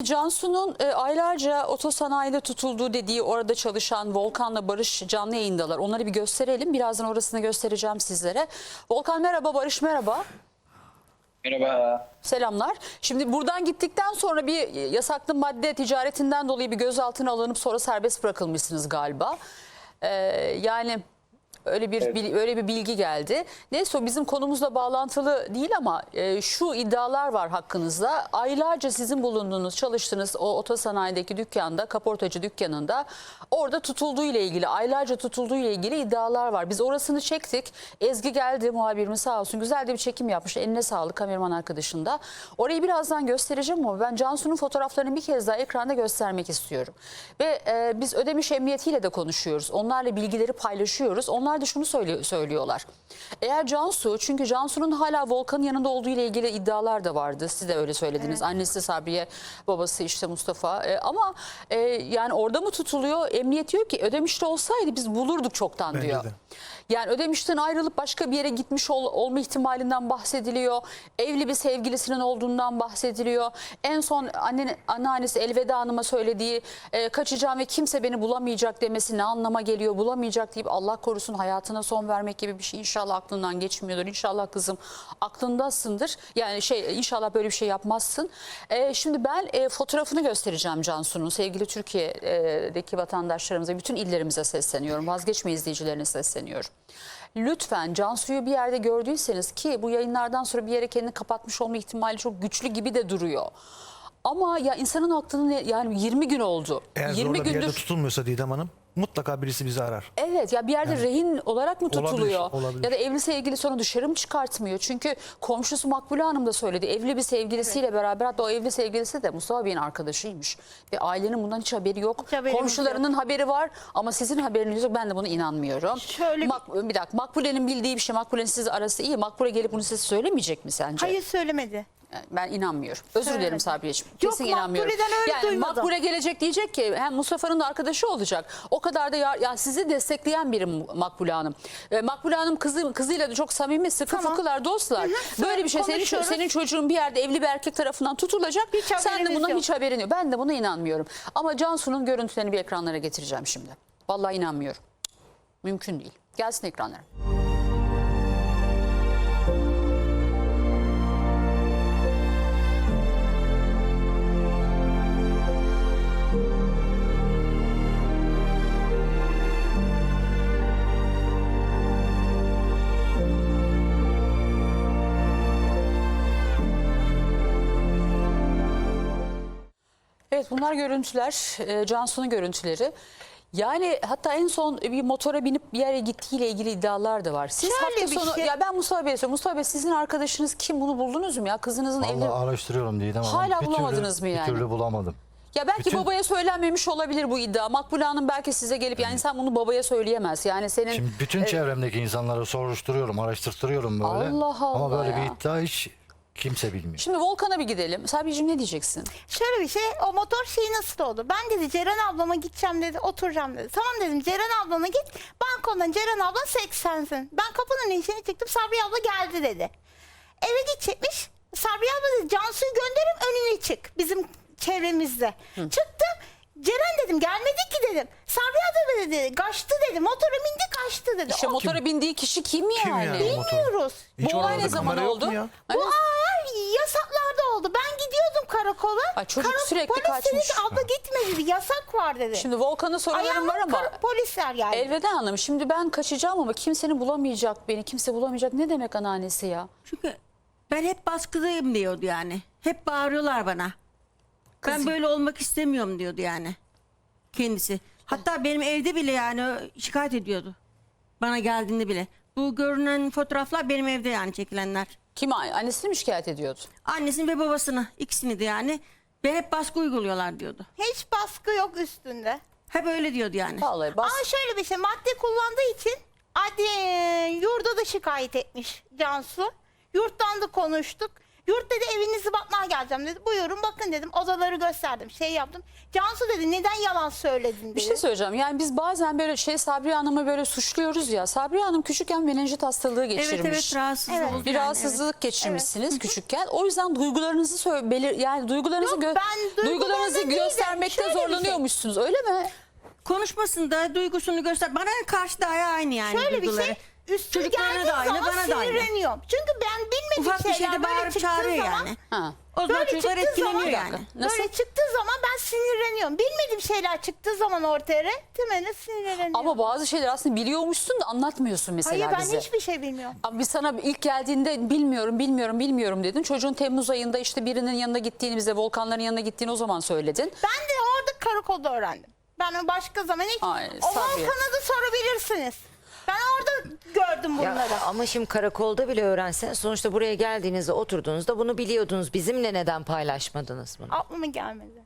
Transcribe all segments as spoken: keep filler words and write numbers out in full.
Cansu'nun e, aylarca otosanayide tutulduğu dediği orada çalışan Volkan'la Barış canlı yayındalar. Onları bir gösterelim. Birazdan orasını göstereceğim sizlere. Volkan merhaba, Barış merhaba. Merhaba. Selamlar. Şimdi buradan gittikten sonra bir yasaklı madde ticaretinden dolayı bir gözaltına alınıp sonra serbest bırakılmışsınız galiba. Ee, yani öyle bir Evet. öyle bir bilgi geldi. Neyse o bizim konumuzla bağlantılı değil ama e, şu iddialar var hakkınızda. Aylarca sizin bulunduğunuz, çalıştığınız o otosanayideki dükkanda, kaportacı dükkanında orada tutulduğu ile ilgili, aylarca tutulduğu ile ilgili iddialar var. Biz orasını çektik. Ezgi geldi, muhabirimiz sağ olsun. Güzel de bir çekim yapmış. Eline sağlık kameraman arkadaşında. Orayı birazdan göstereceğim ama ben Cansu'nun fotoğraflarını bir kez daha ekranda göstermek istiyorum. Ve e, biz Ödemiş Emniyetiyle de konuşuyoruz. Onlarla bilgileri paylaşıyoruz. Onlar Onlar da şunu söylüyor, söylüyorlar. Eğer Cansu, çünkü Cansu'nun hala Volkan'ın yanında olduğu ile ilgili iddialar da vardı. Siz de öyle söylediniz. Evet. Annesi Sabriye, babası işte Mustafa. E, ama e, yani orada mı tutuluyor? Emniyet diyor ki Ödemiş'te olsaydı biz bulurduk çoktan Bence diyor. de. Yani Ödemiş'ten ayrılıp başka bir yere gitmiş ol, olma ihtimalinden bahsediliyor. Evli bir sevgilisinin olduğundan bahsediliyor. En son annen, anneannesi Elveda Hanım'a söylediği e, kaçacağım ve kimse beni bulamayacak demesi ne anlama geliyor? Bulamayacak deyip Allah korusun hayatına son vermek gibi bir şey inşallah aklından geçmiyordur. İnşallah kızım aklındasındır. Yani şey inşallah böyle bir şey yapmazsın. E, şimdi ben e, fotoğrafını göstereceğim Cansu'nun. Sevgili Türkiye'deki vatandaşlarımıza, bütün illerimize sesleniyorum. Vazgeçme izleyicilerine sesleniyorum. Lütfen Cansu'yu bir yerde gördüyseniz, ki bu yayınlardan sonra bir yere kendini kapatmış olma ihtimali çok güçlü gibi de duruyor. Ama ya insanın aklını yani yirmi gün oldu. Eğer yirmi zorla bir yerde gündür. tutulmuyorsa Didem Hanım mutlaka birisi bizi arar. Evet ya bir yerde Yani, rehin olarak mı tutuluyor? olabilir, olabilir. Ya da evli sevgilisi onu dışarı mı çıkartmıyor? Çünkü komşusu Makbule Hanım da söyledi. Evli bir sevgilisiyle evet. beraber, hatta o evli sevgilisi de Mustafa Bey'in arkadaşıymış. Ve ailenin bundan hiç haberi yok. Hiç Komşularının yok. haberi var ama sizin haberiniz yok. Ben de buna inanmıyorum. Şöyle Mak bir dakika, Makbule'nin bildiği bir şey. Makbule'nin siz arası iyi. Makbule gelip bunu size söylemeyecek mi sence? Hayır söylemedi. Ben inanmıyorum. Özür Söyledim. dilerim Sabriyeciğim. Yok, Kesin inanmıyorum. Makbule'den öyle yani duymadım. Makbule gelecek diyecek ki hem Mustafa'nın da arkadaşı olacak. O kadar da ya, ya sizi destekleyen biri Makbule Hanım. E, Makbule Hanım kızı, kızıyla da çok samimi, sıkı Tamam. fıkılar, dostlar. Hı hı, Böyle bir şey senin, konuşuyoruz. senin çocuğun bir yerde evli bir erkek tarafından tutulacak. Hiç Sen de haberiniz bundan yok. hiç haberin yok. Ben de buna inanmıyorum. Ama Cansu'nun görüntülerini bir ekranlara getireceğim şimdi. Vallahi inanmıyorum. Mümkün değil. Gelsin ekranlara. Evet bunlar görüntüler, e, Cansu'nun görüntüleri. Yani hatta en son bir motora binip bir yere gittiğiyle ilgili iddialar da var. Siz Şöyle hafta bir sonu, şey- ya ben Mustafa Bey'e söylüyorum. Mustafa Bey sizin arkadaşınız kim, bunu buldunuz mu ya? Kızınızın Vallahi evli... araştırıyorum Didem Hanım. Hala Bir bulamadınız türlü, mı yani? Bir türlü bulamadım. Ya belki Bütün- babaya söylenmemiş olabilir bu iddia. Makbule Hanım belki size gelip, yani insan bunu babaya söyleyemez. Yani senin... Şimdi bütün e, çevremdeki insanları soruşturuyorum, araştırtırıyorum böyle. Allah Allah Ama böyle ya. bir iddia hiç kimse bilmiyor. Şimdi Volkan'a bir gidelim. Sabriciğim ne diyeceksin? Şöyle bir şey, o motor şeyi nasıl oldu? Ben dedi Ceren ablama gideceğim dedi, oturacağım dedi. Tamam dedim, Ceren ablana git, balkondan Ceren abla seksensin. Ben kapının içine çıktım, Sabriye abla geldi dedi. Eve gidecekmiş, Sabriye abla dedi Cansu'yu gönderim önüne çık, bizim çevremizde. Hı. Çıktım, Ceren dedim gelmedi ki dedim. Sabriye abla dedi kaçtı dedi, motora bindi kaçtı dedi. İşte O- motora bindiği kişi kim yani? Kim yani? motor? Bilmiyoruz. Hiç Bu olay orada ne zaman kamera yok oldu? mu ya? Bu ay yasaklarda oldu. Ben gidiyordum karakola. Ay, çocuk sürekli polis dedi kaçmış. ki abla gitme dedi. Yasak var dedi. Şimdi Volkan'a sorularım Ayağıma var ama... kara- polisler geldi. Elveda Hanım, şimdi ben kaçacağım ama kimsenin bulamayacak beni, kimse bulamayacak. Ne demek anneannesi ya? Çünkü ben hep baskıdayım diyordu yani. Hep bağırıyorlar bana. Ben Kızım. böyle olmak istemiyorum diyordu yani. Kendisi. Hatta benim evde bile yani şikayet ediyordu. Bana geldiğinde bile. Bu görünen fotoğraflar benim evde yani çekilenler. Kim, annesini mi şikayet ediyordu? Annesini ve babasını, ikisini de yani. Ve hep baskı uyguluyorlar diyordu. Hiç baskı yok üstünde. Hep öyle diyordu yani. Vallahi bas. Ama şöyle bir şey, madde kullandığı için adli yurda da şikayet etmiş Cansu. Yurttan da konuştuk. Yurt dedi evinizi bakmaya geleceğim dedi. Buyurun bakın dedim. Odaları gösterdim. Şey yaptım. Cansu dedi neden yalan söyledin dedi. Bir şey söyleyeceğim. Yani biz bazen böyle şey Sabriye Hanım'ı böyle suçluyoruz ya. Sabriye Hanım küçükken menenjit hastalığı geçirmiş. Evet evet rahatsız Evet. oldu Bir yani, rahatsızlık geçirmişsiniz küçükken. O yüzden duygularınızı söyle, belir yani duygularınızı Yok, gö- ben duygularınızı duygularımda değil de göstermekte şöyle bir şey. zorlanıyormuşsunuz. Öyle mi? evet. Konuşmasında duygusunu göster. Bana karşı da aynı yani Şöyle bir duyguları. şey. Üstüne Çocuklarına geldiği da aynı, zaman bana da aynı. sinirleniyorum. Çünkü ben bilmediğim Ufak bir şeyler şeyde böyle bağırıp çıktığı çağırıyor zaman, yani. Ha. O zaman Böyle çocuklar çıktığı etkileniyor zaman- yani. Nasıl? Böyle çıktığı zaman ben sinirleniyorum. Bilmediğim şeyler çıktığı zaman ortaya temelde sinirleniyorum. Ama bazı şeyler aslında biliyormuşsun da anlatmıyorsun mesela Hayır ben bize. hiçbir şey bilmiyorum. Ama biz sana ilk geldiğinde bilmiyorum, bilmiyorum, bilmiyorum dedin. Çocuğun Temmuz ayında işte birinin yanına gittiğini bize, Volkanların yanına gittiğini o zaman söyledin. Ben de orada karakolda öğrendim. Ben başka zaman hiç... Ay, o Sabriye. Volkan'a da sorabilirsiniz. Ben orada gördüm bunları. Ya, ama şimdi karakolda bile öğrensen sonuçta buraya geldiğinizde oturduğunuzda bunu biliyordunuz. Bizimle neden paylaşmadınız bunu? Aklıma gelmedi.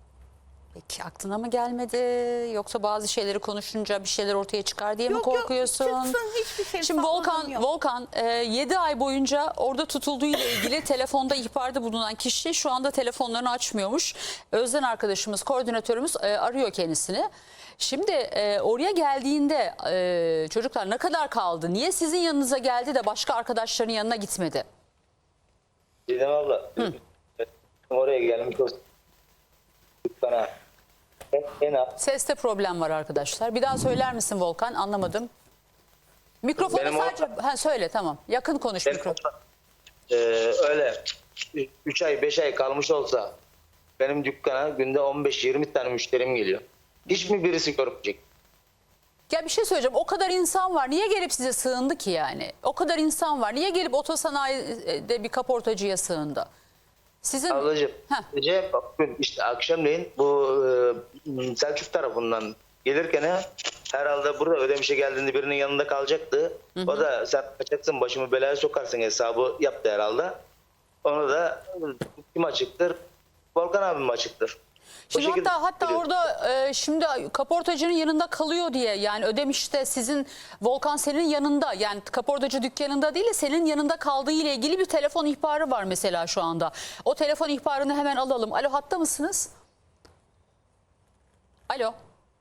Peki aklına mı gelmedi yoksa bazı şeyleri konuşunca bir şeyler ortaya çıkar diye mi Yok, yok, korkuyorsun? çıksın, hiçbir şey Şimdi sakladığım Volkan yok. Volkan yedi ay boyunca orada tutulduğu ile ilgili telefonda ihbarda bulunan kişi şu anda telefonlarını açmıyormuş. Özden arkadaşımız, koordinatörümüz e, arıyor kendisini. Şimdi e, oraya geldiğinde e, çocuklar ne kadar kaldı? Niye sizin yanınıza geldi de başka arkadaşlarının yanına gitmedi? Didem abla. Oraya gelmiş olsun. Bana. En, en az. Seste problem var arkadaşlar. Bir daha söyler misin Volkan? Anlamadım. Mikrofonu Benim o- sadece... Ha, söyle tamam. Yakın konuş Benim mikrofon. Ee, öyle üç ay beş ay kalmış olsa benim dükkana günde on beş yirmi tane müşterim geliyor. Hiç mi birisi görmeyecek? Ya bir şey söyleyeceğim. O kadar insan var. Niye gelip size sığındı ki yani? O kadar insan var. Niye gelip otosanayide bir kaportacıya sığındı? Sizin... Ablacığım Heh. gece bugün işte akşamleyin bu e, Selçuk tarafından gelirken herhalde burada Ödemiş'e geldiğinde birinin yanında kalacaktı. O da sen kaçacaksın başımı belaya sokarsın hesabı yaptı herhalde. Onu da kim açıktır? Volkan abim açıktır. O Şimdi şekilde hatta hatta biliyorum. orada e, şimdi kaportacının yanında kalıyor diye yani Ödemiş'te sizin Volkan senin yanında yani kaportacı dükkanında değil de senin yanında kaldığı ile ilgili bir telefon ihbarı var mesela şu anda. O telefon ihbarını hemen alalım. Alo hatta mısınız? Alo.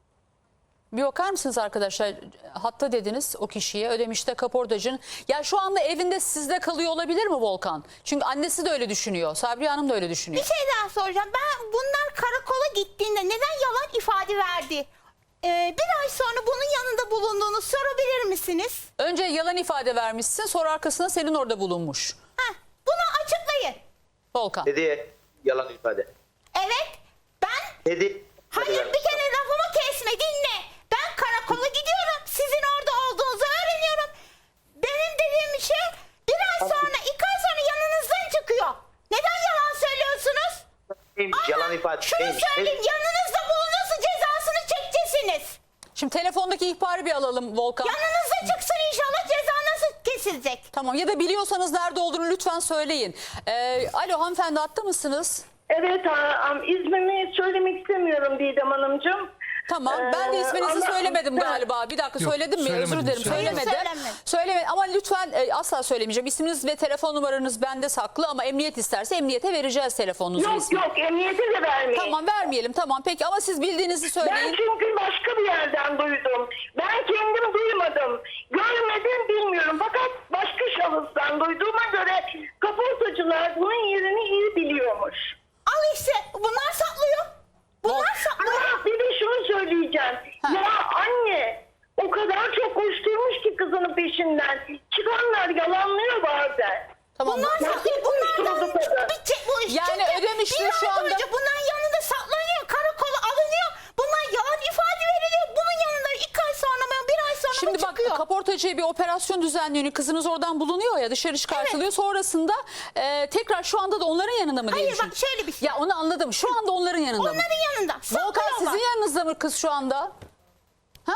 Bir bakar mısınız arkadaşlar? Hatta dediniz o kişiye Ödemiş'te kaportacının. Ya şu anda evinde sizde kalıyor olabilir mi Volkan? Çünkü annesi de öyle düşünüyor. Sabriye Hanım da öyle düşünüyor. Bir şey daha soracağım. Ben bunlar karakola gittiğinde neden yalan ifade verdi? Ee, bir ay sonra bunun yanında bulunduğunu sorabilir misiniz? Önce yalan ifade vermişsin sonra arkasına senin orada bulunmuş. Heh, bunu açıklayın. Volkan. Dedi yalan ifade. Evet. Ben Dedi. hayır bir kere lafımı kesme dinle. Ben karakola gidiyorum. Sizin orada olduğunuzu öğreniyorum. Benim dediğim şey bir ay sonra iki ay sonra yanınızdan çıkıyor. Neden yalan söylüyorsunuz? Neymiş, Ama yalan ifade şunu neymiş? söyleyeyim yanınızda bulunursa cezasını çekeceksiniz. Şimdi telefondaki ihbarı bir alalım Volkan. Yanınızda çıksın inşallah ceza nasıl kesilecek? Tamam ya da biliyorsanız nerede olduğunu lütfen söyleyin. Ee, alo hanımefendi hatta mısınız? Evet, a- am- ismimi söylemek istemiyorum Didem Hanımcığım. Tamam ben de Ee, isminizi ama- söylemedim Ha. galiba. Bir dakika Yok, söyledim mi? Özür söylemedin, dilerim söylemedin. söylemedim. Söylemedim. Söyleme ama lütfen e, asla söylemeyeceğim. İsminiz ve telefon numaranız bende saklı ama emniyet isterse emniyete vereceğiz telefonunuzu. Yok ismi. yok, emniyete de vermeyin. Tamam vermeyelim tamam peki ama siz bildiğinizi Ben söyleyin. çünkü başka bir yerden duydum. Ben kendim duymadım. Görmedim, bilmiyorum. Fakat başka şahıstan duyduğuma göre kaportacılar bunun yerini iyi biliyormuş. Al işte bunlar saklıyor. Bunlar saklıyor. Ama bir de şunu söyleyeceğim. Ha. Ya anne o kadar çok koşturmuş ki kızının peşinden. Çıkanlar yalanlıyor bazen. Tamam. Bunlar Ya saklıyor. hiç Bunlardan konuşmadık kadar. bitecek bu iş. Yani Çünkü Ödemiş'te bir şu ay anda- boyunca bunların yanında saklanıyor. Karakola alınıyor. Bunlar yalan ifade veriliyor. Bunun yanında iki ay sonra mı bir ay sonra Şimdi mı bak çıkıyor? kaportacıya bir operasyon düzenleniyor. Kızınız oradan bulunuyor ya dışarı çıkartılıyor. Sonrasında e, tekrar şu anda da onların yanında mı diye Hayır düşün- bak şöyle bir şey. Ya onu anladım. Şu anda onların yanında mı? Onların yanında. Volkan Saklıyorlar. sizin yanınızda mı kız şu anda? Ha?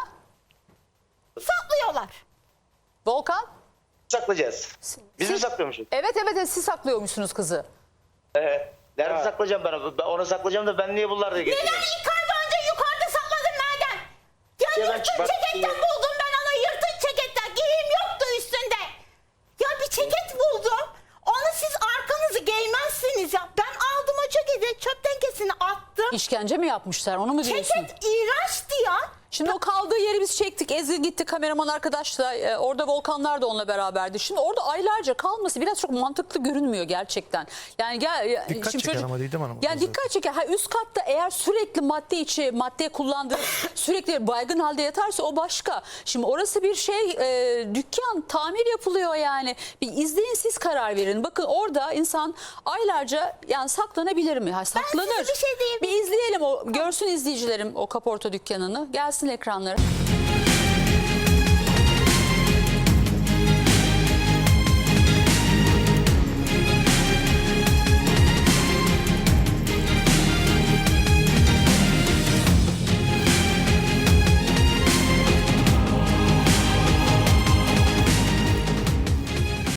Saklıyorlar. Volkan? Saklayacağız. Biz mi Siz- saklıyormuşuz? Evet evet evet, siz saklıyormuşsunuz kızı. Ee, nerede saklayacağım ben onu? Ben onu saklayacağım da ben niye bunları da Neden getireceğim? ilk ay boyunca yukarıda sakladın nereden? Ya Ya ben yırtık çıkmak- ceketten buldum ben ona yırtık ceketten. Giyim yoktu üstünde. Ya bir ceket buldum. Onu siz arkanızı İşkence mi yapmışlar, onu mu diyorsun? Ceket iğrençti ya. Şimdi o kaldığı yeri biz çektik. Ezgi gitti, kameraman arkadaşla. E, orada Volkanlar da onunla beraberdi. Şimdi orada aylarca kalması biraz çok mantıklı görünmüyor gerçekten. Yani gel, Dikkat şimdi çeker ama Didem Hanım. Yani dikkat çeker. Ha, üst katta eğer sürekli madde içi, madde kullandığı, sürekli baygın halde yatarsa o başka. Şimdi orası bir şey, e, dükkan, tamir yapılıyor yani. Bir izleyin, siz karar verin. Bakın orada insan aylarca yani saklanabilir mi? Ha, saklanır. size bir şey diyeyim. Bir izleyelim, o görsün izleyicilerim o kaporta dükkanını. Gelsin ekranlara.